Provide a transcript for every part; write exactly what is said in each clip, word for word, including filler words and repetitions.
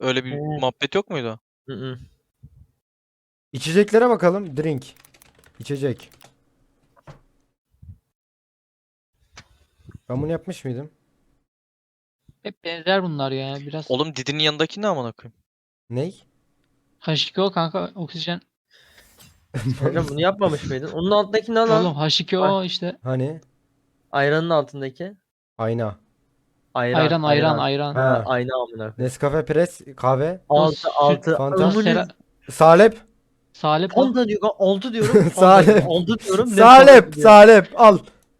Öyle bir Evet. muhabbet yok muydu? Hı hı. İçeceklere bakalım. Drink. İçecek. Ben bunu yapmış mıydım? Hep benzer bunlar ya. Biraz Oğlum Didi'nin yanındaki ne amına koyayım? Ney? H iki O kanka oksijen. Hocam bunu yapmamış mıydın? Onun altındaki ne lan? Oğlum H iki O işte. Hani? Ayranın altındaki. Ayna. Ayran, Ayran ayran ayran. ayran. Ha, Ha. ayna amına koyayım. Nescafe Press kahve. O Altı, süt altı. Fanta. Amına- sera, Salep. salep o. Fanta diyor. Altı diyorum. Fanta Salep. diyor. Altı diyorum. ne Salep. Fanta diyor. Salep. Al.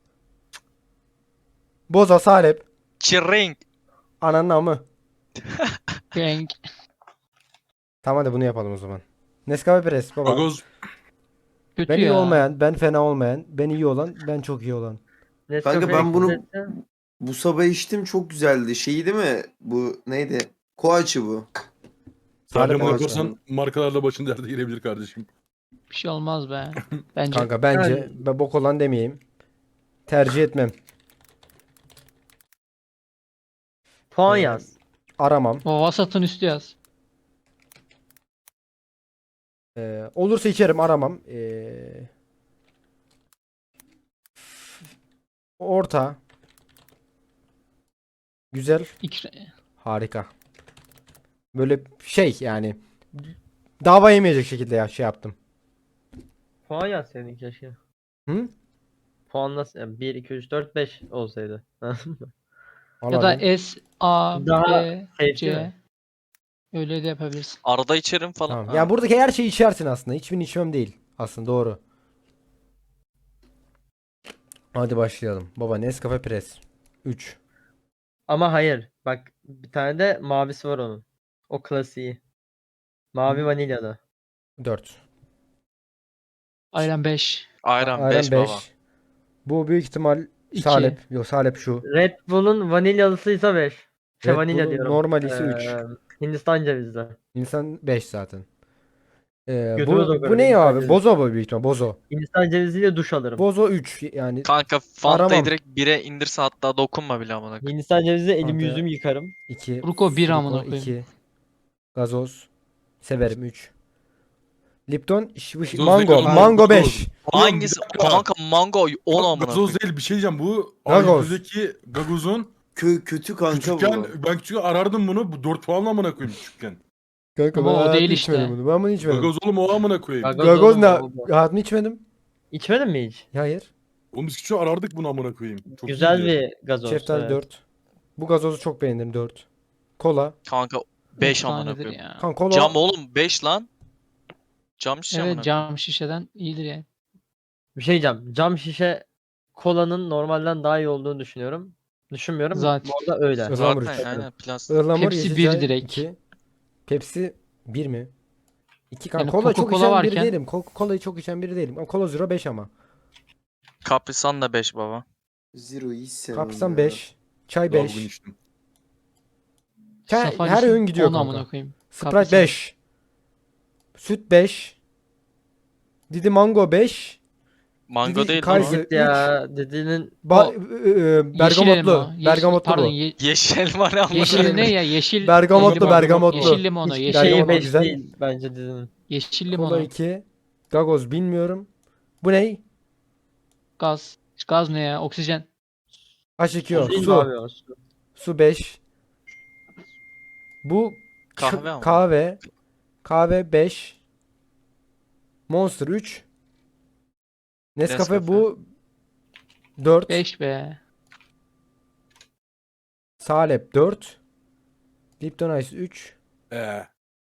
Boza salep. Çirring. Ananın amı. Renk. Tamam hadi bunu yapalım o zaman. Nescafe Press baba. Gagoz. Kötü Ben iyi ya. olmayan, ben fena olmayan, ben iyi olan, ben çok iyi olan. Nescafe Kanka ben bunu ekstresi. bu sabah içtim, çok güzeldi. Şeyi değil mi? Bu neydi? Koaçı bu. Salep Reklam Salep yaparsan markalarla başın derde girebilir kardeşim. Bir şey olmaz be. Bence. Kanka bence Yani- ben bok olan demeyeyim. Tercih etmem. Puan Ee, yaz. Aramam. O vasatın üstü yaz. Ee, olursa içerim, aramam. Ee, orta. Güzel. İkra... Harika. Böyle şey yani dava yemeyecek şekilde ya şey yaptım. Puan yaz senin keşke. Hı? Puan nasıl? Yani bir, iki, üç, dört, beş olsaydı. Ya da Vallahi S, A, Daha B, safe C. değil mi? Öyle de yapabilirsin. Arada içerim falan. tamam. Ha. Ya buradaki her şeyi içersin aslında. Hiçbirini içmem değil. Aslında doğru. Hadi başlayalım. Baba Nescafe Press. üç. Ama hayır. Bak bir tane de mavisi var onun. O klasiği. Mavi Hı. vanilyalı. dört. Ayran beş. Ayran Ayran beş baba. beş. Bu büyük ihtimal İki. salep. Yok salep şu. Red Bull'un vanilyalısıysa beş. Şey Red vanilya Bull'un diyorum. normali ise üç. Ee, Hindistan cevizli. İnsan beş zaten. Ee, Götümüz bu o kadar, bu ne ya Hindistan abi? cevizi. Bozo bu büyük ihtimal. Bozo. Hindistan ceviziyle duş alırım. Bozo üç yani Kanka Fanta'yı Aramam. direkt bire indirse hatta dokunma bile amına koyayım. Hindistan cevizi elim Kanka. yüzüm yıkarım. iki. Fruko bir amına koyayım. iki. Gazoz. Severim üç. Lipton ş- bu ş- Gazoz mango. değil, Mango gazoz. beş. Hangisi? dakika. Kanka mango on amına Gazoz koyayım. değil, bir şey diyeceğim. Bu Gagoz. Gagoz. Gagoz'un Kö kötü kanka küçükken bu. ben küçükken arardım bunu. Bu dört puanla amına koyayım küçükken. Kanka Ama ben o hayatımda değil içmedim işte. bunu. Ben bunu içmedim. Gagoz oğlum o amına koyayım. Gagoz Gagoz oğlum, ne? o bu. Hayatımda içmedim. İçmedin mi hiç? Hayır. Oğlum biz küçükken arardık bunu amına koyayım. Çok Güzel iyiydi. bir gazoz. Şeftali evet. dört. Bu gazozu çok beğendim dört. Kola. Kanka beş amına Efsanedir koyayım. ya. Kanka kola. Cam oğlum beş lan. Cam şişe amına Evet koyayım. cam şişeden iyidir yani. Bir şey diyeceğim. Cam şişe kolanın normalden daha iyi olduğunu düşünüyorum. Düşünmüyorum. Zaten. Bu arada öyle. Ihlamur Zaten üç. aynen plastik. Ihlamur Pepsi yeşil bir çay direkt. iki. Pepsi bir mi? iki kanka. Yani Kola çok Coca-Cola içen biri varken- değilim. Coca-Cola'yı çok içen biri değilim. Ama Cola Zero beş ama. Kaprisan da beş baba. Zero'yu hiç sevmem Kapsam ya. beş. Çay Daha bugün beş. içtim. Çay, Safari her öğün gidiyor on kanka. amına koyayım. Sprite Kaprisam. beş. Süt beş. Didi Mango beş. Mango Didi değil Kaiser- lan o. Git ya. Dediğinin Ba O- ı- ı- Yeşil elma. bergamotlu. Yeşil- Bergamotlu pardon, bu. ye- Yeşil elma ne amına yeşil koyayım. ne ya? Yeşil Bergamotlu, limonu. bergamotlu. Yeşil limonu. hiçbir Yeşil şeyi Bergamotlu limonu. beş güzel. değil bence dizinin. Yeşil Kola limonu. iki. Gagoz bilmiyorum. Bu ne? Gaz. Gaz ne ya? Oksijen. H iki O. Değil mi Su. abi o? Su. Su beş. Bu Kahve ç- ama. kahve. Kahve beş. Monster üç. Nescafe Nescafe. bu dört. beş be. Salep dört. Lipton Ice üç. Ee,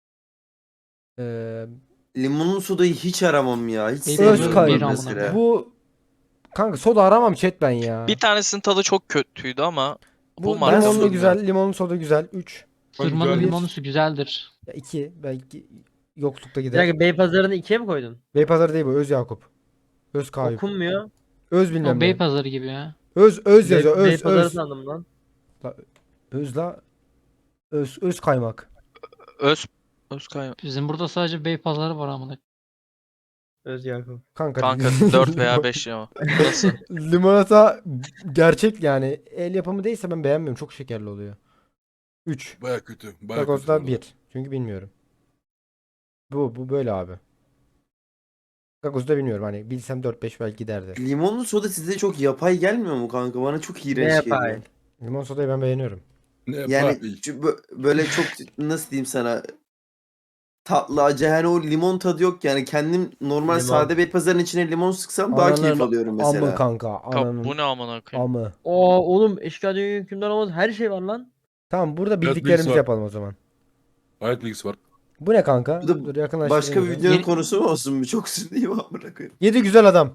Ee, Limonlu sodayı hiç aramam ya. Hiç Öz sevmiyorum kay- ben bir amına mesela. koyayım. bu kanka soda aramam chat ben ya. Bir tanesinin tadı çok kötüydü ama bu Bu marka limonlu sorunu. güzel, limonlu soda güzel. üç. Sırmanın güzel. limonusu güzeldir. Ya iki belki yoklukta Bir gider. dakika Beypazarı'nı ikiye mi koydun? Beypazarı değil bu, Öz Yakup. Öz Kayıp. Okunmuyor. Öz bilmem O ne. Beypazarı gibi ya. Öz öz Bey, yazıyor. Öz Beypazarı öz. sandım lan. Öz la öz öz kaymak. Öz Özkay Bizim burada sadece Beypazarı var amına. Öz Yakup. Kanka, kanka dört veya beş ya. Nasıl? limonata gerçek yani el yapımı değilse ben beğenmiyorum. Çok şekerli oluyor. üç. Baya kötü. Baya kötü. Gagoz'da bu bir. arada. Çünkü bilmiyorum. Bu bu böyle abi. Gagoz'da bilmiyorum hani bilsem dört beş belki giderdi. Limonlu soda size çok yapay gelmiyor mu kanka? Bana çok Ne iğrenç yapay? geliyor. Limon sodayı ben beğeniyorum. Ne Yani yapay? çü- bö- böyle çok nasıl diyeyim sana, tatlı acı, hani o limon tadı yok yani. Kendim normal Limon. sade bir pazarın içine limon sıksam daha keyif Ananın alıyorum amı mesela. kanka. Kap, Ananın bu ne amına koyayım? amı. Oo oğlum eşkıya dünya hükümdar olmaz. Her şey var lan. Tamam burada bilgisi bildiklerimizi var. yapalım o zaman. Hayat bilgisi var. Bu ne kanka? Bu da Dur yakınlaştırayım Başka bir bize. videonun Yeni- konusu mu olsun? Bu çok sürdü amına koyayım. Yedi güzel adam.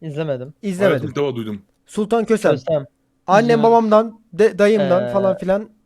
İzlemedim. İzlemedim. Hayatımda ilk defa duydum. Sultan Kösem. Kösem. Annem İzlemedim. babamdan, de- dayımdan Ee, falan filan